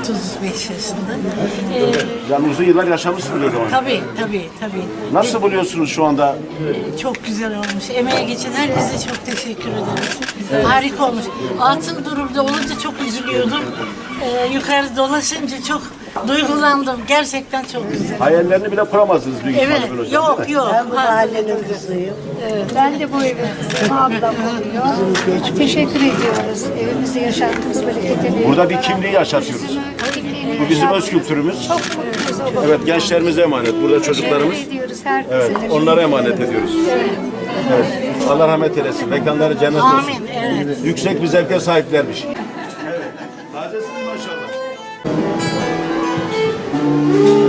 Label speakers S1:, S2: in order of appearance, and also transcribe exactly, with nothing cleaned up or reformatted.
S1: otuz beş yaşında. Ee,
S2: Yani uzun yıllar yaşamışsınız o zaman.
S1: tabii, tabii, tabii.
S2: Nasıl buluyorsunuz şu anda?
S1: Ee, çok güzel olmuş. Emeğe geçen herkese çok teşekkür ederiz. Harika olmuş. Altın durumda olunca çok üzülüyordum. Ee, yukarı dolaşınca çok duygulandım. Gerçekten çok güzel.
S2: Hayallerini bile kuramazdınız büyük
S1: Evet,
S2: ihtimalle böyle hocam,
S1: yok
S2: değil mi?
S1: yok.
S3: Ben bu mahallenin kızıyım.
S4: Ben de bu evin kızıyım. Ablam oluyor. Teşekkür ediyoruz. Evimizi yaşattınız, bereketli.
S2: Burada bir kimliği yaşatıyoruz. Bu bizim öz kültürümüz.
S4: Çok mutluyuz o
S2: Evet, gençlerimize emanet. Burada çocuklarımız.
S4: Teşekkür ediyoruz herkese.
S2: Evet, onlara emanet ediyoruz. Evet. Allah rahmet eylesin. Mekanları cennet olsun.
S1: Amin, evet.
S2: Yüksek bir zevke sahiplermiş. Evet. Tazesiniz maşallah.